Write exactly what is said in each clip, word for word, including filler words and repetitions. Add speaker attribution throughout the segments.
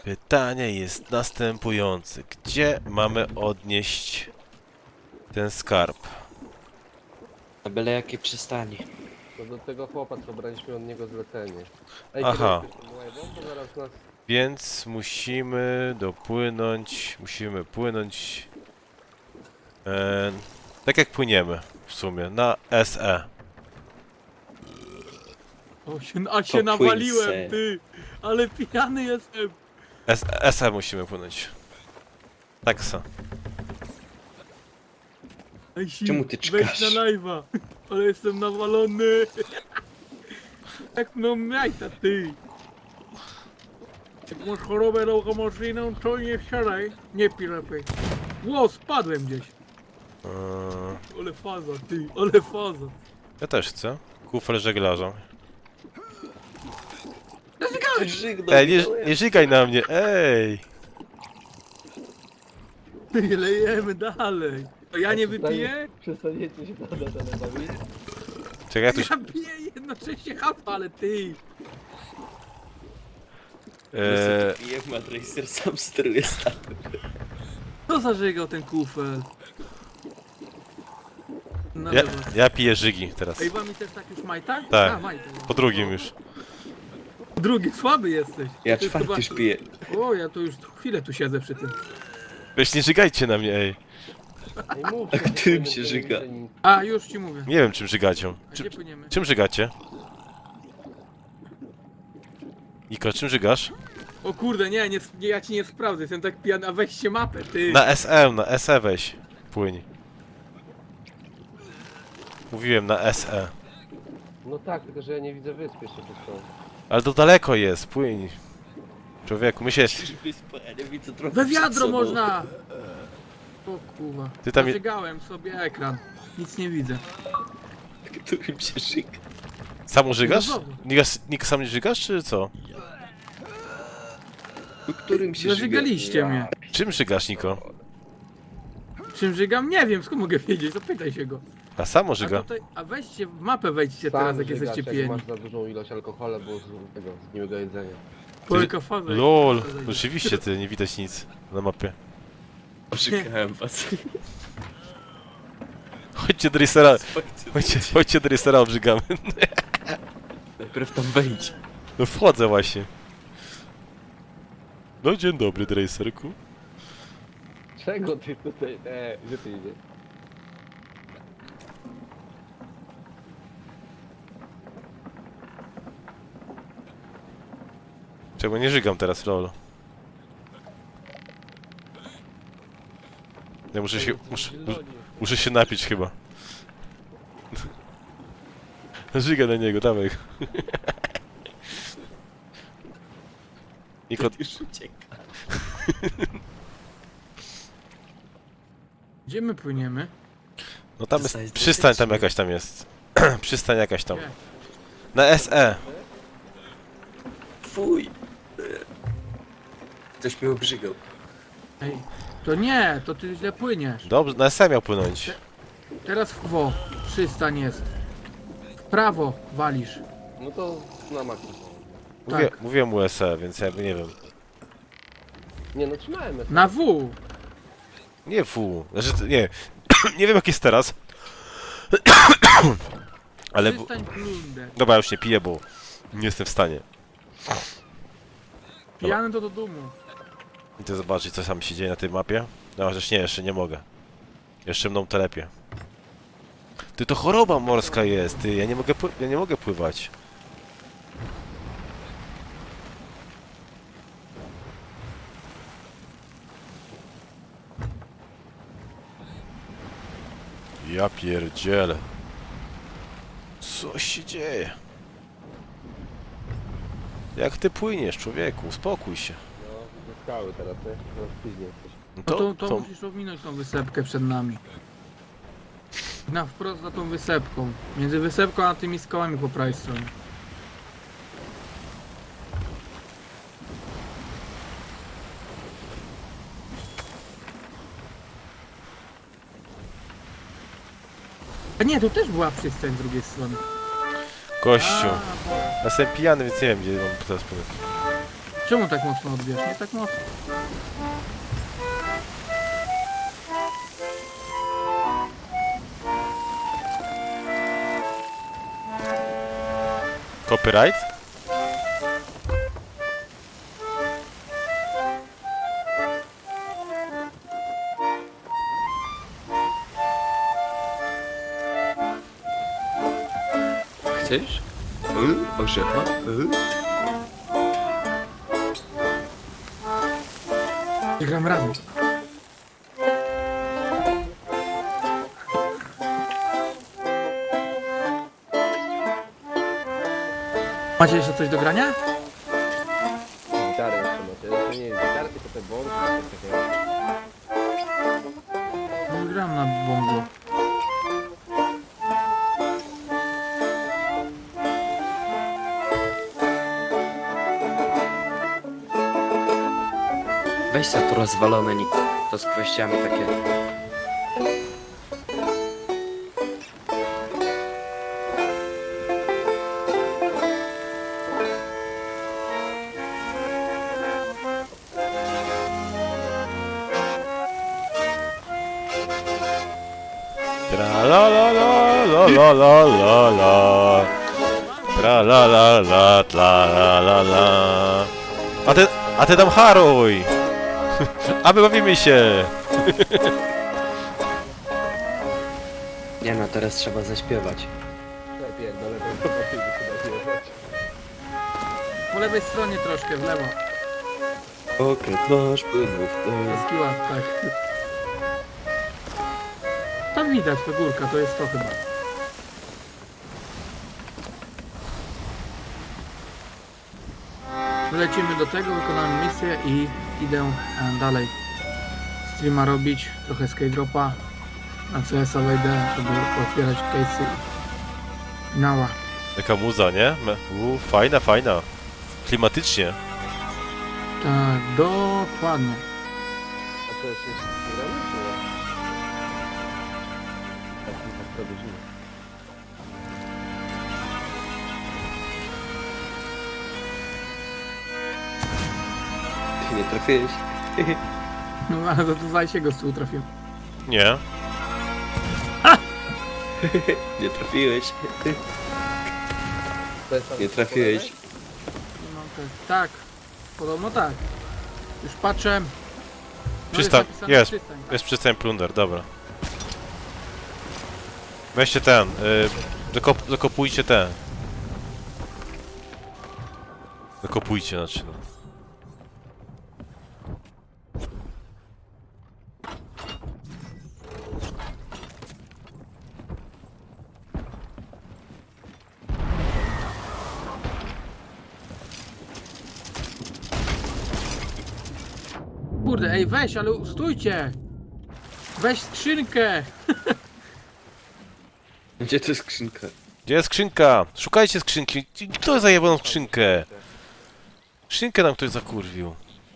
Speaker 1: Pytanie jest następujące. Gdzie mamy odnieść ten skarb?
Speaker 2: Na byle jakiej przystani.
Speaker 3: To do tego chłopa, co braliśmy od niego zlecenie. Ej,
Speaker 1: Aha.
Speaker 3: kierujesz tym łajbą, bo zaraz nas...
Speaker 1: Więc musimy dopłynąć, musimy płynąć e, tak jak płyniemy w sumie, na S E.
Speaker 4: O, się, a się
Speaker 2: To
Speaker 4: nawaliłem,
Speaker 2: płyń se.
Speaker 4: ty! Ale pijany jestem!
Speaker 1: S S E musimy płynąć. Tak se.
Speaker 4: Ej, si,
Speaker 2: Czemu ty
Speaker 4: wejdź
Speaker 2: czkasz?
Speaker 4: na live'a! Ale jestem nawalony! Jak no jajta, ty! Jak masz chorobę lokomocyjną, to nie wsiadaj, nie pij lepiej. Ło, spadłem gdzieś!
Speaker 1: Eee,
Speaker 4: Ale faza, ty, ale faza!
Speaker 1: ja też chcę. Kufel żeglarza. Ej, nie, nie żygaj na mnie, ej!
Speaker 4: Ty, lejemy dalej! To ja nie wypiję?
Speaker 3: Przestaniecie się na dole bawić?
Speaker 1: Czekaj, ja tu się...
Speaker 4: Ja piję jednocześnie hapa, ale ty!
Speaker 1: Eee,
Speaker 2: Pijem, a Tracer sam steruje statem.
Speaker 4: Kto zażygał ten kufel? No
Speaker 1: ja,
Speaker 4: dobra.
Speaker 1: ja piję żygi teraz.
Speaker 4: Ej, wami też tak już majta?
Speaker 1: Tak.
Speaker 4: A, majta.
Speaker 1: Po drugim już.
Speaker 4: Drugi, słaby jesteś.
Speaker 2: Ja
Speaker 4: To jest
Speaker 2: czwarty już
Speaker 4: chyba-
Speaker 2: piję.
Speaker 4: O, ja to już chwilę tu siedzę przy tym.
Speaker 1: Weź nie żygajcie na mnie, ej.
Speaker 3: Ej, mów,
Speaker 2: A
Speaker 3: że
Speaker 2: którym
Speaker 3: nie
Speaker 2: się
Speaker 3: widzę
Speaker 2: żyga?
Speaker 3: nic.
Speaker 4: A, już ci mówię.
Speaker 1: Nie wiem czym żygacie.
Speaker 4: A
Speaker 1: Czym,
Speaker 4: gdzie płyniemy?
Speaker 1: czym żygacie? Niko, czym żygasz?
Speaker 4: O kurde, nie, nie, nie, ja ci nie sprawdzę, jestem tak pijany, a weźcie mapę, ty.
Speaker 1: Na S E, na S E weź. Płyń. Mówiłem na S E.
Speaker 3: No tak, tylko że ja nie widzę wyspy jeszcze przez to.
Speaker 1: Ale to daleko jest, płyń. Człowieku, my się...
Speaker 2: Wyspa, ja nie widzę trochę
Speaker 4: We
Speaker 2: przed
Speaker 4: wiadro
Speaker 2: sobą.
Speaker 4: można! O kurwa.
Speaker 1: Ty tam je-
Speaker 4: Zażygałem sobie ekran. Nic nie widzę.
Speaker 2: Którym się żyga.
Speaker 1: Sam żygasz?
Speaker 4: No dobra.
Speaker 1: Nika, Nika sam nie żygasz, czy co?
Speaker 2: Którym się żyga.
Speaker 4: Zażygaliście mnie.
Speaker 1: Czym żygasz, Niko?
Speaker 4: Czym żygam? Nie wiem, skąd mogę wiedzieć, zapytaj się go.
Speaker 1: A samo
Speaker 4: A,
Speaker 1: żyga.
Speaker 4: tutaj, a weźcie w mapę wejdźcie
Speaker 3: Sam
Speaker 4: teraz, jak
Speaker 3: żygasz,
Speaker 4: jesteście
Speaker 3: jak
Speaker 4: pijani.
Speaker 3: masz za dużą ilość alkoholu, bo z tego, z miłego jedzenia.
Speaker 4: Polka faza.
Speaker 1: LOL, rzeczywiście ty, nie widać nic na mapie.
Speaker 2: Oszukałem was.
Speaker 1: Chodźcie do Racera, chodźcie, chodźcie do Racera, obrzygamy.
Speaker 2: Najpierw tam wejdź.
Speaker 1: No wchodzę właśnie. No dzień dobry, Dracerku.
Speaker 3: Czego ty tutaj, eee, gdzie ty idziesz?
Speaker 1: Czego nie żygam teraz, lol. Ja muszę się, muszę, muszę się napić chyba. Żyga na niego, dawaj. Niko,
Speaker 2: Już ucieka.
Speaker 4: Gdzie my płyniemy?
Speaker 1: no tam
Speaker 2: Przystań
Speaker 1: jest,
Speaker 2: jest
Speaker 1: przystań tam
Speaker 2: bezpieczny.
Speaker 1: jakaś tam jest. Przystań jakaś tam.
Speaker 4: Gdzie?
Speaker 1: Na S E.
Speaker 2: Fuj. Ktoś mnie obrzygał.
Speaker 4: Ej, to nie, to ty źle płyniesz.
Speaker 1: Dobrze, na S E miał płynąć.
Speaker 4: Teraz w wo, przystań jest. W prawo walisz.
Speaker 3: No to na maksa.
Speaker 1: Mówię,
Speaker 4: Tak.
Speaker 1: Mówiłem mu S E, więc jakby nie wiem.
Speaker 3: Nie no, trzymałem się.
Speaker 4: Na W.
Speaker 1: Nie fu, znaczy to- nie. Nie wiem jak jest teraz. Ale... w-
Speaker 4: Przystań plunder.
Speaker 1: Dobra, już nie piję, bo nie jestem w stanie.
Speaker 4: Pijany to do dumu.
Speaker 1: Idę zobaczyć co tam się dzieje na tej mapie. No chociaż nie, jeszcze nie mogę. Jeszcze mną telepie. Ty, to choroba morska jest, ty, ja nie mogę, pły- ja nie mogę pływać. Ja pierdzielę. Co się dzieje? Jak ty płyniesz, człowieku? Uspokój się.
Speaker 3: No, ze skały teraz, nie? No, później jesteś.
Speaker 1: No
Speaker 4: No to, to musisz ominąć tą wysepkę przed nami. Na wprost za tą wysepką. Między wysepką a tymi skałami po prawej stronie. A nie, tu też była przystań z drugiej strony.
Speaker 1: Gościu.
Speaker 4: A, bo-
Speaker 1: Ja jestem pijany, więc nie wiem gdzie mam teraz płynąć.
Speaker 4: Czemu tak mocno odbierz? Nie tak mocno.
Speaker 1: Copyright?
Speaker 2: Chcesz? Y? Orzecha? Y?
Speaker 4: Gram razem. Macie jeszcze coś do grania?
Speaker 3: Gitarę jeszcze macie. To nie jest gitara, tylko te bąki. coś takiego.
Speaker 4: No, gram na bongo.
Speaker 2: Weź za to rozwalone nik. To z kwestiami takie.
Speaker 1: Tra la la la la la la la la. Tra la la la la la la la. A ty, a ty tam haruj! A my bawimy się!
Speaker 2: Nie no, teraz trzeba zaśpiewać.
Speaker 3: Lepiej, do lewej zobaczymy, chyba wjechać.
Speaker 4: Po lewej stronie troszkę, w lewo.
Speaker 2: Okręt nasz płynął w to.
Speaker 4: Polski ład, tak. Tam widać, to górka, to jest to chyba. Lecimy do tego, wykonamy misję i idę e, dalej streama robić, trochę skate-dropa, na C S a wejdę, żeby otwierać case'y i nała.
Speaker 1: Taka muza, nie? Me- U, fajna, fajna. Klimatycznie.
Speaker 4: Tak, dokładnie.
Speaker 3: A to jest jeszcze gramy, czy nie? Tak, tak to brzmi.
Speaker 2: Ty nie trafiłeś?
Speaker 4: No ale za to się go z tyłu trafiłem.
Speaker 1: Nie.
Speaker 2: Nie trafiłeś.
Speaker 3: To jest tam
Speaker 2: Nie trafiłeś.
Speaker 4: Nie mam te... Tak, podobno tak. Już patrzę. No
Speaker 1: Przystań,
Speaker 4: napisane
Speaker 1: jest.
Speaker 4: przystań, tak.
Speaker 1: Jest przystań plunder, dobra. Weźcie ten, y, dokop, dokopujcie ten. Dokopujcie, znaczy no.
Speaker 4: Kurde, ej weź, ale stójcie! Weź skrzynkę!
Speaker 2: Gdzie to jest skrzynka?
Speaker 1: Gdzie jest skrzynka? Szukajcie skrzynki. Kto zajebał skrzynkę? Skrzynkę nam ktoś zakurwił.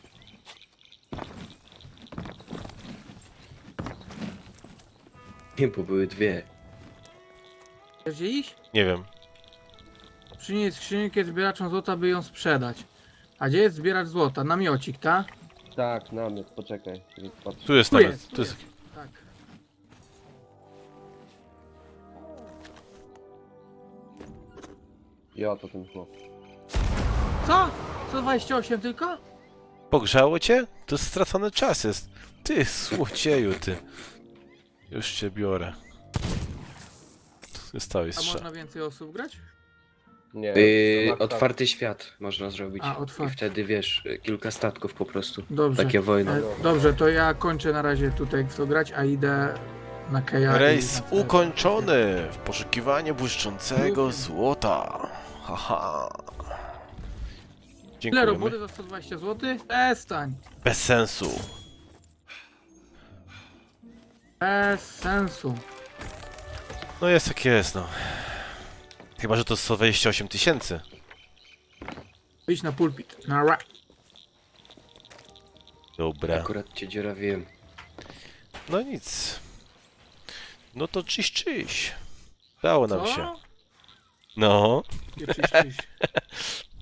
Speaker 2: Nie, bo były dwie.
Speaker 4: Gdzie iść?
Speaker 1: Nie wiem.
Speaker 4: Przynieść skrzynkę zbieraczom złota, by ją sprzedać. A gdzie jest zbieracz złota? Namiocik, tak?
Speaker 3: Tak, namiot, poczekaj. więc patrz.
Speaker 1: Tu jest
Speaker 4: Tu
Speaker 1: nawet.
Speaker 4: jest, tu
Speaker 1: Tu jest.
Speaker 4: jest. Tak.
Speaker 3: Ja to ten chłop.
Speaker 4: Co? sto dwadzieścia osiem tylko?
Speaker 1: Pogrzało cię? To stracony czas jest. Ty, złocieju, ty. Już cię biorę. Stałeś
Speaker 4: A
Speaker 1: strzał.
Speaker 4: można więcej osób grać?
Speaker 3: Nie.
Speaker 2: Yy,
Speaker 3: to ma-
Speaker 2: otwarty świat można zrobić.
Speaker 4: A,
Speaker 2: I
Speaker 4: otwarty.
Speaker 2: wtedy wiesz, kilka statków po prostu.
Speaker 4: Dobrze.
Speaker 2: Takie wojny.
Speaker 4: E, dobrze, to ja kończę na razie tutaj w to grać, a idę na Keja.
Speaker 1: Rejs
Speaker 4: i...
Speaker 1: ukończony w poszukiwaniu błyszczącego złota. Haha.
Speaker 4: Ile roboty
Speaker 1: Dziękujemy.
Speaker 4: za sto dwadzieścia złotych? Przestań.
Speaker 1: Bez sensu.
Speaker 4: Bez sensu.
Speaker 1: No jest jak jest, no. Chyba, że to sto dwadzieścia osiem tysięcy.
Speaker 4: Idź na pulpit. Na ra.
Speaker 1: Dobra.
Speaker 2: Akurat cię dziurawiłem.
Speaker 1: No nic. No to czyś, czyś. Dało nam się.
Speaker 4: Co?
Speaker 1: No.
Speaker 4: Nie, czyś, czyś.